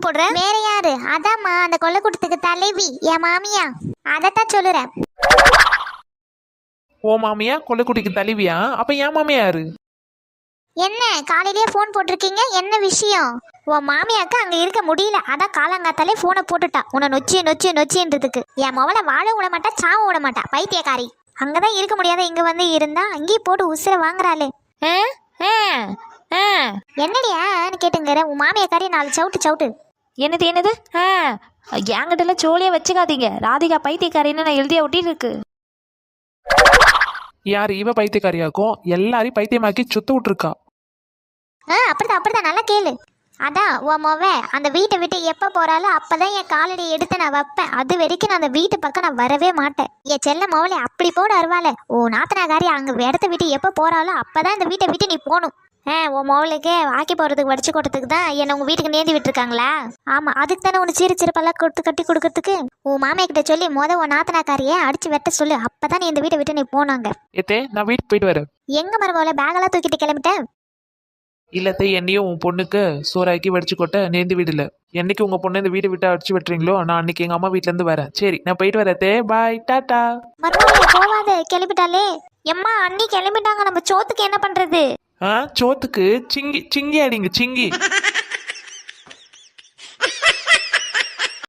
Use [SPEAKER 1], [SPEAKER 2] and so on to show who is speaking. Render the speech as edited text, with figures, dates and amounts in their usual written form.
[SPEAKER 1] போடுற?
[SPEAKER 2] வேற யாரு? அதாம்மா அந்த கொல்லக்கூட்டத்துக்கு தலைவி என் மாமியா. அதத்தான் சொல்லுறேன்.
[SPEAKER 3] ஓ மாமியா கொல்லைக்குட்டிக்கு தலைவியா? அப்ப என் மாமியா யாரு?
[SPEAKER 2] என்ன காலையிலேயே போன் போட்டிருக்கீங்க? என்ன விஷயம்? உன் மாமியாக்கு அங்க இருக்க முடியல, அதான் காலங்காத்தாலே போனை போட்டுட்டா உன்னை நொச்சி நொச்சி நொச்சின்றதுக்கு. என் மவளை வாழ விட மாட்டா, சாவ விட மாட்டா, பைத்தியக்காரி. அங்கதான் இருக்க முடியாத இங்க வந்து இருந்தா அங்கேயே போட்டு உசுர வாங்குறாளே. என்னடியான்னு கேட்டுங்கிற உன் மாமியாக்காரி 4 சவுட்டு சவுட்டு.
[SPEAKER 1] என்னது என்கிட்ட எல்லாம் சோழியா வச்சுக்காதீங்க. ராதிகா பைத்தியக்காரின்னு நான் எழுதியா ஒட்டிட்டு இருக்கு.
[SPEAKER 3] யார் இவ பைத்தியக்காரியாக்கும்? எல்லாரையும் பைத்தியமாக்கி சுத்த விட்டுருக்கா.
[SPEAKER 2] அப்படிதான் நல்லா கேளு. அதான் உன் மொவ அந்த வீட்டை விட்டு எப்ப போறாலும் அப்பதான் என் காலடி எடுத்து நான் வைப்பேன். அது வரைக்கும் நான் அந்த வீட்டு பக்கம் நான் வரவே மாட்டேன். என் செல்ல மொவலை அப்படி போட அருவாளே. ஓ நாத்தனாகாரி அங்க இடத்த விட்டு எப்ப போறாலும் அப்பதான் இந்த வீட்டை விட்டு நீ போகணும். உன் மொவலுக்கு வாக்கி போறதுக்கு வடிச்சு கொடுத்ததுக்கு தான் என்ன உங்க வீட்டுக்கு நேர்ந்து விட்டுருக்காங்களா? ஆமா, அதுக்கு தானே உனக்கு சிறு சிறுப்பெல்லாம் கொடுத்து கட்டி கொடுக்கறதுக்கு. உன் மாமியா கிட்ட சொல்லி உன் நாத்தனாக்காரியை அடிச்சு வெட்ட சொல்லு. அப்பதான் நீ இந்த வீட்டை விட்டு நீ போனாங்க.
[SPEAKER 3] ஏத்தே நான் வீட்டுக்கு போயிட்டு வரேன்.
[SPEAKER 2] எங்க மரமோல பேகெல்லாம் தூக்கிட்டு கிளம்பிட்டேன்.
[SPEAKER 3] இல்லத்தே என்னையும் உன் பொண்ணுக்கு சோறாக்கி வடிச்சு கொட்ட நேர்ந்து வீடுல. என்னைக்கு உங்க பொண்ணு இந்த வீட்டை விட்டு அடிச்சு விட்டுறீங்களோ நான் அன்னைக்கு எங்க அம்மா வீட்டுல இருந்து வரேன். சரி நான் போயிட்டு வரத்தே. பாய் டாட்டா.
[SPEAKER 2] மரமோல போவாத, கிளம்பிட்டாலே. எம்மா அண்ணி கிளம்பிட்டாங்க, நம்ம சோத்துக்கு என்ன பண்றது?
[SPEAKER 3] சோத்துக்கு சிங்கி சிங்கி அடிங்க சிங்கி.